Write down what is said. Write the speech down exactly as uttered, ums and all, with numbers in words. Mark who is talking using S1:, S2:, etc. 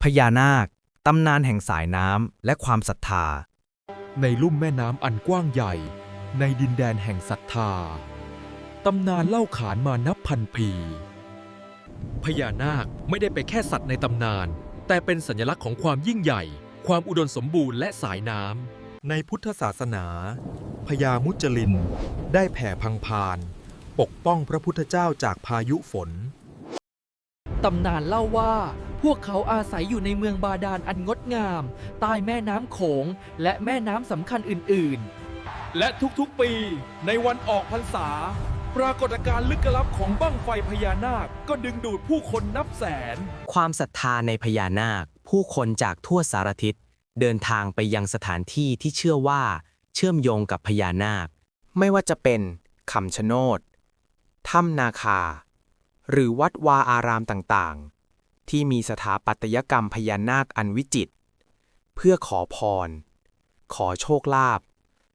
S1: พญานาคตำนานแห่งสายน้ำและความศรัทธา
S2: ในลุ่มแม่น้ำอันกว้างใหญ่ในดินแดนแห่งศรัทธาตำนานเล่าขานมานับพันปีพญานาคไม่ได้เป็นแค่สัตว์ในตำนานแต่เป็นสัญลักษณ์ของความยิ่งใหญ่ความอุดมสมบูรณ์และสายน้ำในพุทธศาสนาพญามุจลินได้แผ่พังพานปกป้องพระพุทธเจ้าจากพายุฝน
S3: ตำนานเล่าว่าพวกเขาอาศัยอยู่ในเมืองบาดาลอันงดงามใต้แม่น้ำโขงและแม่น้ำสำคัญอื่นๆและทุกๆปีในวันออกพรรษาปรากฏการณ์ลึกลับของบั้งไฟพญานาคก็ดึงดูดผู้คนนับแสน
S4: ความศรัทธาในพญานาคผู้คนจากทั่วสารทิศเดินทางไปยังสถานที่ที่เชื่อว่าเชื่อมโยงกับพญานาคไม่ว่าจะเป็นคำชะโนดถ้ำนาคาหรือวัดวาอารามต่างๆที่มีสถาปัตยกรรมพญานาคอันวิจิตรเพื่อขอพรขอโชคลาภ